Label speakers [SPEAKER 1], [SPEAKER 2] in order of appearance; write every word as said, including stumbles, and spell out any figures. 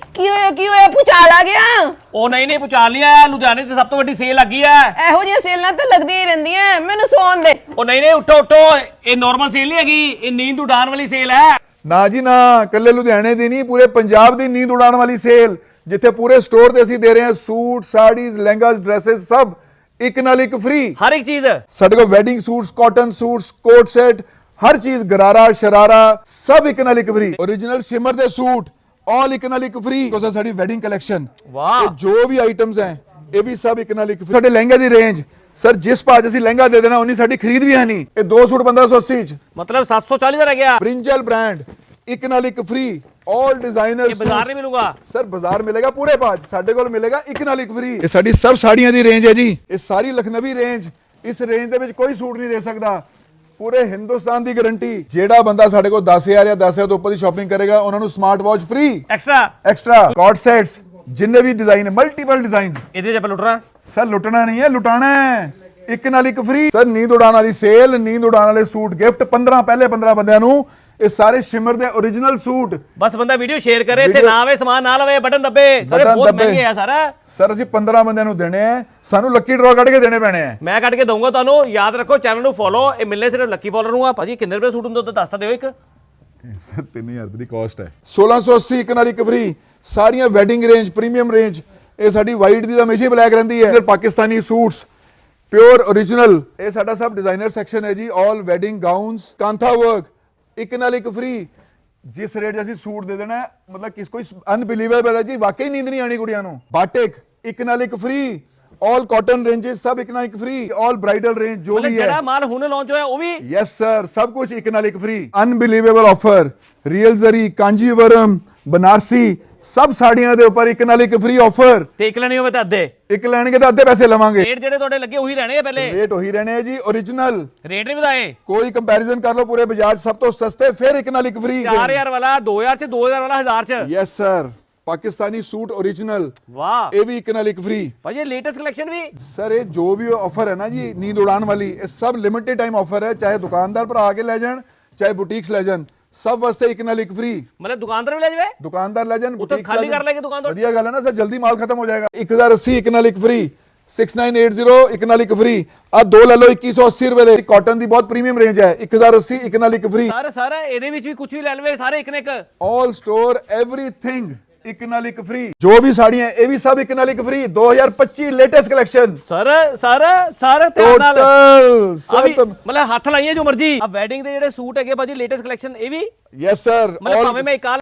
[SPEAKER 1] ਕੀ ਹੋਇਆ ਕੀ ਹੋਇਆ ਭੁਚਾਲ ਆ ਗਿਆ?
[SPEAKER 2] ਉਹ ਨਹੀਂ ਨਹੀਂ ਭੁਚਾਲ ਨਹੀਂ ਆਇਆ, ਲੁਧਿਆਣੇ 'ਚ ਸਭ ਤੋਂ ਵੱਡੀ ਸੇਲ ਲੱਗੀ ਹੈ।
[SPEAKER 1] ਇਹੋ ਜਿਹੀਆਂ ਸੇਲਾਂ ਤਾਂ ਲੱਗਦੀਆਂ ਹੀ ਰਹਿੰਦੀਆਂ, ਮੈਨੂੰ ਸੌਣ ਦੇ।
[SPEAKER 2] ਉਹ ਨਹੀਂ ਨਹੀਂ ਉੱਠੋ ਉੱਠੋ, ਇਹ ਨਾਰਮਲ ਸੇਲ ਨਹੀਂ ਹੈਗੀ, ਇਹ ਨੀਂਦ ਉਡਾਣ ਵਾਲੀ ਸੇਲ ਹੈ।
[SPEAKER 3] ਨਾ ਜੀ ਨਾ, ਕੱਲੇ ਲੁਧਿਆਣੇ ਦੀ ਨਹੀਂ, ਪੂਰੇ ਪੰਜਾਬ ਦੀ ਨੀਂਦ ਉਡਾਣ ਵਾਲੀ ਸੇਲ, ਜਿੱਥੇ ਪੂਰੇ ਸਟੋਰ ਤੇ ਅਸੀਂ ਦੇ ਰਹੇ ਹਾਂ ਸੂਟ, ਸਾੜੀਜ਼, ਲਹਿੰਗਾਸ, ਡਰੈਸਸ ਸਭ ਇੱਕ ਨਾਲ ਇੱਕ ਫ੍ਰੀ।
[SPEAKER 2] ਹਰ ਇੱਕ ਚੀਜ਼
[SPEAKER 3] ਸਾਡੇ ਕੋਲ wedding suits, cotton suits, coat set, ਹਰ ਚੀਜ਼, ਗਰਾਰਾ, ਸ਼ਰਾਰਾ ਸਭ ਇੱਕ ਨਾਲ ਇੱਕ ਫ੍ਰੀ। ओरिजिनल शिमर ਦੇ ਸੂਟ ਆਲ ਇੱਕ ਨਾਲ ਇੱਕ ਫ੍ਰੀ। ਕੋਸਾ ਸਾਡੀ ਵੈਡਿੰਗ ਕਲੈਕਸ਼ਨ,
[SPEAKER 2] ਵਾਹ,
[SPEAKER 3] ਜੋ ਵੀ ਆਈਟਮਸ ਹੈ ਇਹ ਵੀ ਸਭ ਇੱਕ ਨਾਲ ਇੱਕ ਫ੍ਰੀ। ਸਾਡੇ ਲਹਿੰਗੇ ਦੀ ਰੇਂਜ ਸਰ, ਜਿਸ ਭਾਅ 'ਚ ਅਸੀਂ ਲਹਿੰਗਾ ਦੇ ਦੇਣਾ ਉਨੀ ਸਾਡੀ ਖਰੀਦ ਵੀ ਹੈ ਨਹੀਂ। ਇਹ ਦੋ ਸੂਟ ਪੰਦਰਾਂ ਸੌ अस्सी ਚ,
[SPEAKER 2] ਮਤਲਬ ਸੱਤ ਸੌ ਚਾਲੀ ਦਾ ਰਹਿ ਗਿਆ।
[SPEAKER 3] ਬ੍ਰਿੰਜਲ ਬ੍ਰਾਂਡ ਇੱਕ ਨਾਲ ਇੱਕ ਫ੍ਰੀ। ਆਲ ਡਿਜ਼ਾਈਨਰ
[SPEAKER 2] ਇਹ ਬਾਜ਼ਾਰ ਨਹੀਂ ਮਿਲੂਗਾ
[SPEAKER 3] ਸਰ, ਬਾਜ਼ਾਰ ਮਿਲੇਗਾ ਪੂਰੇ ਭਾਅ 'ਚ, ਸਾਡੇ ਕੋਲ ਮਿਲੇਗਾ ਇੱਕ ਨਾਲ ਇੱਕ ਫ੍ਰੀ। ਇਹ ਸਾਡੀ ਸਭ ਸਾੜੀਆਂ ਦੀ ਰੇਂਜ ਹੈ ਜੀ, ਇਹ ਸਾਰੀ ਲਖਨਵੀ ਰੇਂਜ। ਇਸ ਰੇਂਜ ਦੇ ਵਿੱਚ ਕੋਈ ਸੂਟ ਨਹੀਂ ਦੇ ਸਕਦਾ, ਪੂਰੇ ਹਿੰਦੁਸਤਾਨ ਦੀ ਗਾਰੰਟੀ। ਜਿਹੜਾ ਬੰਦਾ ਸਾਡੇ ਕੋਲ ਦਸ ਹਜ਼ਾਰ ਜਾਂ ਦਸ ਹਜ਼ਾਰ ਤੋਂ ਉੱਪਰ ਦੀ ਸ਼ਾਪਿੰਗ ਕਰੇਗਾ ਉਹਨਾਂ ਨੂੰ smart watch free
[SPEAKER 2] extra.
[SPEAKER 3] Extra coat sets, ਜਿੰਨੇ ਵੀ ਡਿਜ਼ਾਈਨ ਹੈ, ਮਲਟੀਪਲ ਡਿਜ਼ਾਈਨਸ।
[SPEAKER 2] ਇਹਦੇ 'ਚ ਆਪਾਂ ਲੁੱਟ ਰਹਾ
[SPEAKER 3] ਸਰ, ਲੁੱਟਣਾ ਨਹੀਂ ਹੈ, ਲੁਟਾਣਾ ਹੈ। ਇੱਕ ਨਾਲ ਇੱਕ ਫ੍ਰੀ। ਸਰ, ਨੀਂਦ ਉਡਾਣ ਵਾਲੀ ਸੇਲ, ਨੀਂਦ ਉਡਾਣ ਵਾਲੇ ਸੂਟ ਗਿਫਟ ਪੰਦਰਾਂ ਪਹਿਲੇ ਪੰਦਰਾਂ ਬੰਦਿਆਂ ਨੂੰ। ਇਹ ਸਾਰੇ ਸ਼ਿਮਰ ਦੇ ओरिजिनल ਸੂਟ।
[SPEAKER 2] ਬਸ ਬੰਦਾ ਵੀਡੀਓ ਸ਼ੇਅਰ ਕਰੇ ਤੇ ਨਾ ਆਵੇ ਸਮਾਨ ਨਾ ਲਵੇ, ਬਟਨ ਦੱਬੇ। ਸਾਰੇ
[SPEAKER 3] ਬਟਨ
[SPEAKER 2] ਬਹੁਤ
[SPEAKER 3] ਦੱਬੇ।
[SPEAKER 2] ਮਹਿੰਗੇ ਆ ਸਾਰਾ।
[SPEAKER 3] ਸਰ, ਅਸੀਂ ਪੰਦਰਾਂ ਬੰਦਿਆਂ ਨੂੰ ਦੇਣੇ ਆ, ਸਾਨੂੰ ਲੱਕੀ ਡਰਾ ਕੱਢ ਕੇ ਦੇਣੇ ਪੈਣੇ ਆ।
[SPEAKER 2] ਮੈਂ ਕੱਢ ਕੇ ਦਊਂਗਾ ਤੁਹਾਨੂੰ, ਯਾਦ ਰੱਖੋ ਚੈਨਲ ਨੂੰ ਫੋਲੋ। ਇਹ ਮਿਲਨੇ ਸਿਰਫ ਲੱਕੀ ਫੋਲੋਅਰ ਨੂੰ ਆ। ਭਾਜੀ ਕਿੰਨੇ ਰੁਪਏ ਸੂਟ ਹੁੰਦੇ ਉਹ ਦੱਸ ਤਾਂ ਦਿਓ ਇੱਕ।
[SPEAKER 3] ਸਰ, ਤਿੰਨ ਹਜ਼ਾਰ ਰੁਪਏ ਦੀ ਕਾਸਟ ਹੈ। ਸੋਲਾਂ ਸੌ अस्सी ਇੱਕ ਨਾਲ ਇੱਕ ਫ੍ਰੀ। ਸਾਰੀਆਂ ਵੈਡਿੰਗ ਰੇਂਜ, ਪ੍ਰੀਮੀਅਮ ਰੇਂਜ। ਇਹ ਸਾਡੀ ਵਾਈਟ ਦੀ ਤਾਂ ਹਮੇਸ਼ਾ ਹੀ ਬਲੈਕ ਰਹਿੰਦੀ ਹੈ। Pakistani suits pure original. ਇਹ ਸਾਡਾ ਸਭ ਡਿਜ਼ਾਈਨਰ ਸੈਕਸ਼ਨ ਹੈ ਜੀ। All wedding gowns, kantha work ਇੱਕ ਨਾਲ ਇੱਕ ਫ੍ਰੀ। ਜਿਸ ਰੇਟ 'ਚ ਅਸੀਂ ਸੂਟ ਦੇ ਦੇਣਾ, ਮਤਲਬ ਕਿਸ ਕੋਈ ਅਨਬਿਲੀਵੇਬਲ ਹੈ ਜੀ, ਵਾਕਈ ਨੀਂਦ ਨਹੀਂ ਆਣੀ ਕੁੜੀਆਂ ਨੂੰ। ਬਾਟਿਕ ਇੱਕ ਨਾਲ ਇੱਕ ਫ੍ਰੀ। ਆਲ ਕਾਟਨ ਰੇਂਜਸ ਸਭ ਇੱਕ ਨਾਲ ਇੱਕ ਫ੍ਰੀ। ਆਲ ਬ੍ਰਾਈਡਲ ਰੇਂਜ ਜੋ ਵੀ ਹੈ,
[SPEAKER 2] ਜਿਹੜਾ ਮਾਲ ਹੁਣ ਲਾਂਚ ਹੋਇਆ ਉਹ ਵੀ।
[SPEAKER 3] ਯੈਸ ਸਰ, ਸਭ ਕੁਝ ਇੱਕ ਨਾਲ ਇੱਕ free. Unbelievable offer. Real zari, Kanjeevaram, Banarasi ਸਭ ਸਾੜੀਆਂ ਦੇ ਉੱਪਰ ਇੱਕ ਨਾਲ ਇੱਕ ਫ੍ਰੀ ਆਫਰ।
[SPEAKER 2] ਤੇ ਇੱਕ ਲੈਣੀ ਹੋਵੇ ਤਾਂ ਅੱਧੇ।
[SPEAKER 3] ਇੱਕ ਲੈਣਗੇ ਤਾਂ ਅੱਧੇ ਪੈਸੇ ਲਵਾਂਗੇ।
[SPEAKER 2] ਰੇਟ ਜਿਹੜੇ ਤੁਹਾਡੇ ਲੱਗੇ ਉਹੀ ਰਹਿਣੇ ਆ ਪਹਿਲੇ।
[SPEAKER 3] ਰੇਟ ਉਹੀ ਰਹਿਣੇ ਆ ਜੀ, ओरिजिनल।
[SPEAKER 2] ਰੇਟ ਨਹੀਂ ਵਧਾਏ।
[SPEAKER 3] ਕੋਈ ਕੰਪੈਰੀਜ਼ਨ ਕਰ ਲਓ ਪੂਰੇ ਬਾਜ਼ਾਰ 'ਚ, ਸਭ ਤੋਂ ਸਸਤੇ, ਫਿਰ ਇੱਕ ਨਾਲ ਇੱਕ ਫ੍ਰੀ।
[SPEAKER 2] ਚਾਰ ਹਜ਼ਾਰ ਵਾਲਾ ਦੋ ਹਜ਼ਾਰ 'ਚ, ਦੋ ਹਜ਼ਾਰ ਵਾਲਾ ਹਜ਼ਾਰ 'ਚ।
[SPEAKER 3] Yes sir, Pakistani suit original,
[SPEAKER 2] ਵਾਹ
[SPEAKER 3] ਇਹ ਵੀ ਇੱਕ ਨਾਲ ਇੱਕ ਫ੍ਰੀ।
[SPEAKER 2] ਭਾਜੀ ਲੇਟੈਸਟ ਕਲੈਕਸ਼ਨ ਵੀ।
[SPEAKER 3] ਸਰ, ਇਹ ਜੋ ਵੀ ਆਫਰ ਹੈ ਨਾ ਜੀ ਨੀਂਦ ਉਡਾਣ ਵਾਲੀ, ਇਹ ਸਭ ਲਿਮਿਟਿਡ ਟਾਈਮ ਆਫਰ ਹੈ। ਚਾਹੇ ਦੁਕਾਨਦਾਰ ਭਰਾ ਆ ਕੇ ਲੈ ਜਾਣ, ਚਾਹੇ ਬੁਟੀਕਸ ਲੈ ਜਾਣ, ਸਭ ਵਾਸਤੇ ਇੱਕ ਨਾਲ ਇੱਕ ਫ੍ਰੀ।
[SPEAKER 2] ਮਤਲਬ ਦੁਕਾਨਦਾਰ ਵੀ ਲੈ ਜਾਵੇ।
[SPEAKER 3] ਦੁਕਾਨਦਾਰ ਲੈ ਜਾਣ,
[SPEAKER 2] ਉੱਥੇ ਖਾਲੀ ਕਰ ਲੈਗੇ ਦੁਕਾਨ ਤੋਂ।
[SPEAKER 3] ਵਧੀਆ ਗੱਲ ਹੈ ਨਾ ਸਰ, ਜਲਦੀ ਮਾਲ ਖਤਮ ਹੋ ਜਾਏਗਾ। ਇੱਕ ਹਜ਼ਾਰ अस्सी ਇੱਕ ਨਾਲ ਇੱਕ free. Six nine eight zero ਇੱਕ ਨਾਲ ਇੱਕ ਫ੍ਰੀ। ਆ ਦੋ ਲੈ ਲਓ ਇੱਕੀ ਸੌ अस्सी ਰੁਪਏ ਦੇ। ਕਾਟਨ ਦੀ ਬਹੁਤ ਪ੍ਰੀਮੀਅਮ ਰੇਂਜ ਹੈ। ਇੱਕ ਹਜ਼ਾਰ अस्सी ਇੱਕ ਨਾਲ ਇੱਕ ਫ੍ਰੀ।
[SPEAKER 2] ਸਰ ਸਰ ਇਹਦੇ ਵਿੱਚ ਵੀ ਕੁਝ ਵੀ ਲੈ ਲਵੇ, ਸਾਰੇ ਇੱਕ ਨੇ ਇੱਕ।
[SPEAKER 3] ਆਲ ਸਟੋਰ ਐਵਰੀਥਿੰਗ ਇੱਕ ਨਾਲ ਇੱਕ ਫ੍ਰੀ। ਜੋ ਵੀ ਸਾੜੀਆਂ ਇਹ ਵੀ ਸਭ ਇੱਕ ਨਾਲ ਇੱਕ ਫ੍ਰੀ। ਦੋ ਹਜ਼ਾਰ ਪੱਚੀ latest collection.
[SPEAKER 2] Sir sir sir ਧਿਆਨ ਨਾਲ
[SPEAKER 3] ਟੋਟਲ
[SPEAKER 2] ਆ ਵੀ,
[SPEAKER 3] ਸਰ,
[SPEAKER 2] ਮਤਲਬ ਹੱਥ ਲਾਈਏ ਜੋ ਮਰਜੀ। ਆ ਵੈਡਿੰਗ ਦੇ ਜਿਹੜੇ ਸੂਟ ਹੈਗੇ ਭਾਜੀ ਲੇਟੈਸਟ ਕਲੈਕਸ਼ਨ ਇਹ ਵੀ।
[SPEAKER 3] Yes sir.
[SPEAKER 2] ਮਤਲਬ ਭਾਵੇਂ ਮੈਂ ਇੱਕ